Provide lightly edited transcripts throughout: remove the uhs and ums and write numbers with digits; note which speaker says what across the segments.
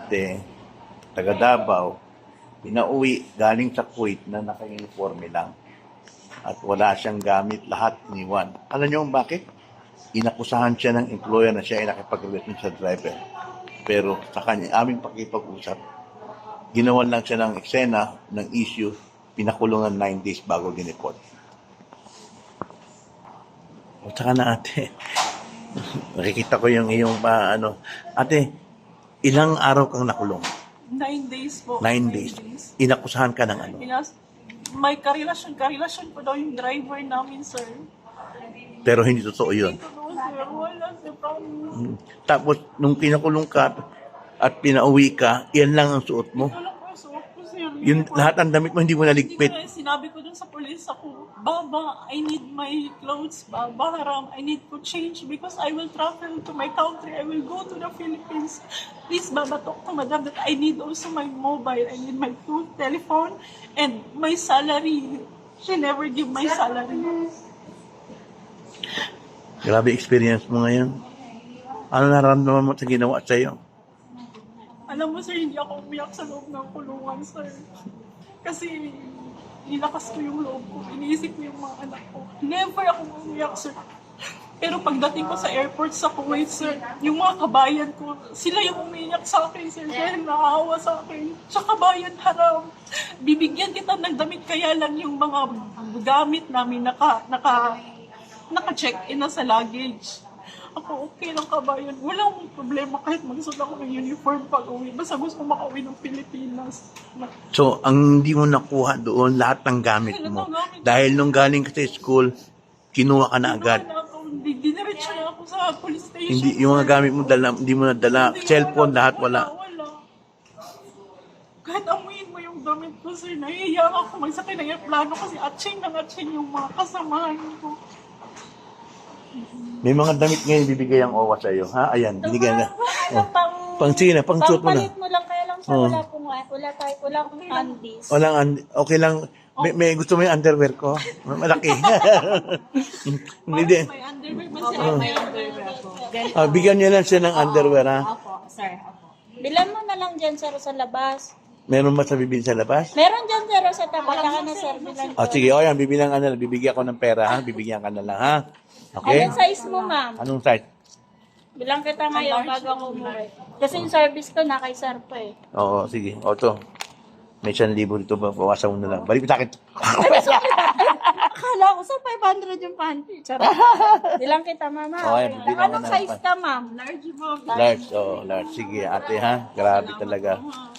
Speaker 1: ate, taga Davao, pinauwi galing sa Kuwait na naka-uniforme lang. At wala siyang gamit, lahat iniwan. Alam niyo kung bakit? Inakusahan siya ng employer na siya ay nakipag-relasyon sa driver. Pero sa kanya, aming pakipag-usap, ginawan lang siya ng eksena, ng issue, pinakulungan 9 days bago dineport. O saka na ate, nakikita ko yung iyong ate, ilang araw kang nakulong?
Speaker 2: 9 days po.
Speaker 1: 9 days. Inakusahan ka ng ano?
Speaker 2: May karelasyon po daw yung driver namin, sir.
Speaker 1: Pero hindi totoo yun.
Speaker 2: Hindi totoo, sir. Wala, sir. Promise.
Speaker 1: Tapos, nung pinakulong ka at pinauwi ka, yan lang ang suot mo.
Speaker 2: Ito lang po, suot ko, sir.
Speaker 1: Yung lahat ng damit mo, hindi mo naligpit.
Speaker 2: Hindi ko na, sinabi ko dun sa police ako, Baba, I need my clothes, Baba Haram, I need to change because I will travel to my country, I will go to the Philippines. Please, Baba, talk to Madam that I need also my mobile, I need my telephone, and my salary. She never give my salary.
Speaker 1: Grabe experience mo ngayon. Ano nararamdaman mo sa ginawa sa'yo?
Speaker 2: Alam mo, sir, hindi ako umiyak sa loob ng kulungan, sir. Kasi nilakas ko yung loob ko. Iniisip ko yung mga anak ko. Never ako umiyak, sir. Pero pagdating ko sa airport sa Kuwait, sir, yung mga kabayan ko, sila yung umiyak sa akin, sir. Dahil naawa sa akin. Sa kabayan, Haram. Bibigyan kita ng damit, kaya lang yung mga gamit namin naka-check-in na sa luggage. Ako, okay lang, kabayan. Walang problema kahit magsuot ako ng uniform pag uwi. Basta gusto ko makauwi ng Pilipinas.
Speaker 1: So, ang hindi mo nakuha doon, lahat ng gamit mo. Dahil nung galing ka sa school, kinuha ka na agad.
Speaker 2: Diniretso na ako sa police station.
Speaker 1: Hindi, yung mga gamit mo, hindi mo nadala. Cellphone, lahat wala.
Speaker 2: Wala. Kahit amuin mo yung damit ko, sir, nahihiya ako magsakay ng aeroplano kasi atching yung mga kasamahan ko.
Speaker 1: May mga damit ngayon bibigay ang OWA sa'yo. Ha? Ayan, binigyan na. Oh. Pang sige na, pang suot mo na.
Speaker 3: Pangpalit mo lang, kaya lang sa wala akong undies.
Speaker 1: Okay lang. May gusto mo yung underwear ko? Malaki. Hindi.
Speaker 2: May underwear ba sila? May underwear ako.
Speaker 1: Bigyan niyo lang siya ng underwear, ha?
Speaker 3: Opo, sir. Opo. Bilan mo na lang dyan, sir, sa labas.
Speaker 1: Meron ba sa bibili sa labas?
Speaker 3: Meron dyan, sir, sa tapat. Saka na, sir, bilan ko.
Speaker 1: Sige, yan, bibilang ka na lang. Bibigyan ko ng pera, ha? Bibigyan ka na lang, ha? Okay?
Speaker 3: Anong size mo, ma'am?
Speaker 1: Anong size?
Speaker 3: Bilang kita ngayon bago ako umuwi. Kasi yung service ko na kay sir po eh.
Speaker 1: Oo, sige. O, to. May 1,000 dito ba? Bawasan mo na lang. Balik mo sa akin.
Speaker 3: Akala ko sa 500 yung panty. Charot. Bilang kita, mama.
Speaker 1: Okay, bilang
Speaker 3: Anong
Speaker 1: ka na.
Speaker 3: size ka, ma'am?
Speaker 2: Large, ma'am.
Speaker 1: Large, large. Sige, ate, ha? Grabe talaga.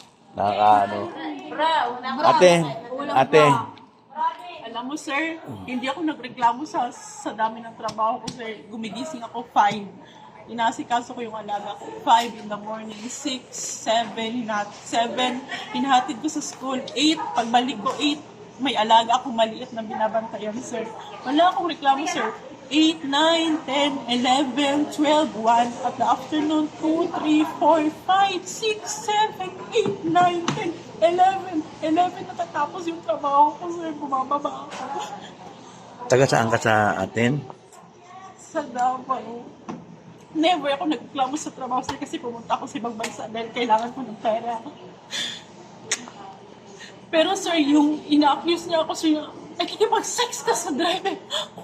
Speaker 1: Ate.
Speaker 2: Alam mo, sir, hindi ako nagreklamo sa dami ng trabaho ko, sir. Gumigising ako 5. Inasikaso ko yung alaga ko. 5 in the morning, 6, 7, 7. Hinahatid ko sa school, 8. Pagbalik ko, 8. May alaga ako maliit na binabantayan, sir. Wala akong reklamo, sir. 8, 9, 10, 11, 12, 1. At the afternoon, 2, 3, 4, 5, 6, 7, 8, 9, 10, 11. 11 natatapos yung trabaho ko, sir. Bumababa ako.
Speaker 1: Taga saan ka sa atin?
Speaker 2: Sa Davao. Never ako nagreklamo sa trabaho, sir, kasi pumunta ako sa ibang bansa dahil kailangan ko ng pera. Pero, sir, yung ina-accuse niya ako, sir, nakikipag-sex ka sa driver.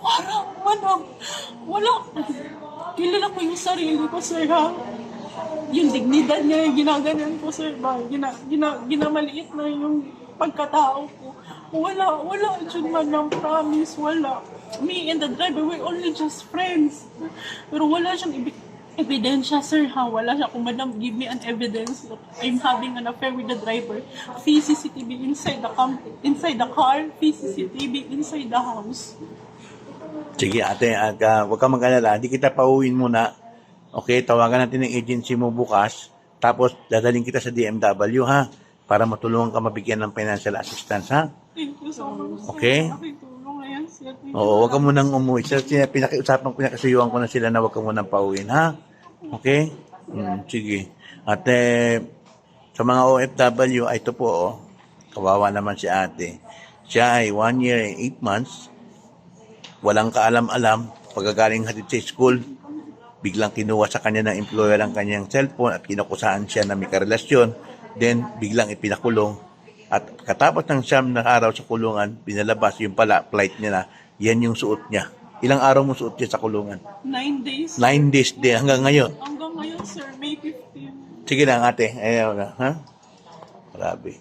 Speaker 2: Wala. Kilala ko yung sarili ko, sir, ha? Yung dignidad niya, yung ginaganan ko, sir, ba? Ginamaliit na yung pagkatao ko. Wala, dyan man ng promise, wala. Me and the driver, we're only just friends. Pero wala siyang ebidensya, sir, ha? Wala siya. Kung madam, give me an evidence that I'm having an affair with the driver. CCTV inside the car, CCTV inside the house.
Speaker 1: Sige, ate, huwag ka mag-alala. Hindi kita pauwiin muna. Okay, tawagan natin ng agency mo bukas. Tapos, dadaling kita sa DMW, ha? Para matulungan ka mabigyan ng financial assistance, ha?
Speaker 2: Thank you so much, sir.
Speaker 1: Okay?
Speaker 2: Nakitulong na yan, sir.
Speaker 1: Oo, huwag ka munang umuwi. Pinakiusapan ko na, kasuyuan ko na sila na huwag ka munang pauwiin, ha? Okay? Sige. At sa mga OFW, ay ito po, kawawa naman si ate. Siya ay 1 year and 8 months. Walang kaalam-alam. Pagkagaling hatid sa school, biglang kinuha sa kanya ng employer ang kanyang cellphone at kinakusahan siya na may karelasyon, then biglang ipinakulong. At katapos ng 9 na araw sa kulungan, pinalabas yung pala, flight niya na, yan yung suot niya. Ilang araw mo suot niya sa kulungan?
Speaker 2: 9 days.
Speaker 1: 9 days din, hanggang ngayon.
Speaker 2: Hanggang ngayon, sir, May 15.
Speaker 1: Sige lang ate, ayaw na, ha? Grabe.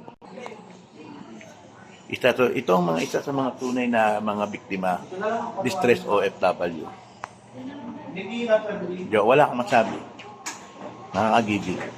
Speaker 1: Ito ang isa sa mga tunay na mga biktima, distress OFW. Wala kang masabi. Nakakagigil.